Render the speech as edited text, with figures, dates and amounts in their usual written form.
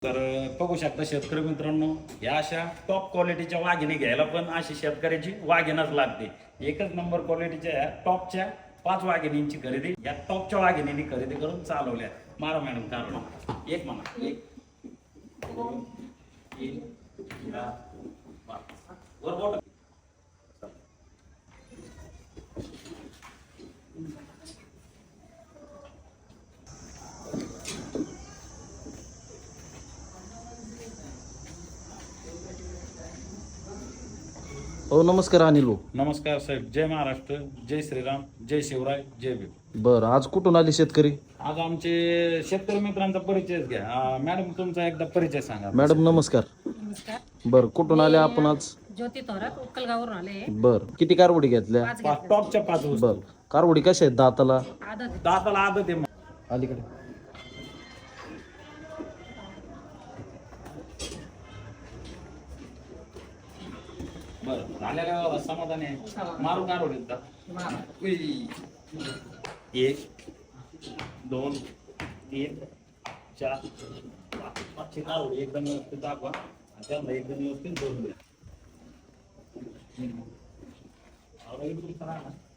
तर बघू शकता शेतकरी मित्रांनो, या अशा टॉप क्वालिटीच्या वाघिणी घ्यायला पण अशी शेतकऱ्याची वाघिणच लागते. एकच नंबर क्वालिटीच्या या टॉपच्या 5 वाघिणींची खरेदी या टॉपच्या वाघिणींनी खरेदी करून चालवल्या. मारा मॅडम कारण एक म्हणा, 1 2 3 4 5 वर. हो नमस्कार अनिल भाऊ. नमस्कार साहेब. जय महाराष्ट्र, जय श्रीराम, जय शिवराय, जय भीम. बरं, आज कुठून आले शेतकरी? आज आमचे शेतकरी मित्रांचा परिचय घ्या. मॅडम तुमचा एकदा परिचय सांगा. मॅडम नमस्कार. नमस्कार. बरं, कुठून आले आपण आज? ज्योती थोरात उक्कलगावरून आले. बरं, किती कारवडी घेतल्या? 5 घेतल्या. टॉपच्या 5 वस्तू. बरं, कारवडी कशा आहेत दाताला? आदत दाताला आदत आहे. अलीकडे बरं, झालेल्या समाधान आहे. मारून कारवडी का? 1 2 3 4 5 कारवडी एकदम व्यवस्थित दाखवा आणि त्यांना एकदम व्यवस्थित जोडून द्या.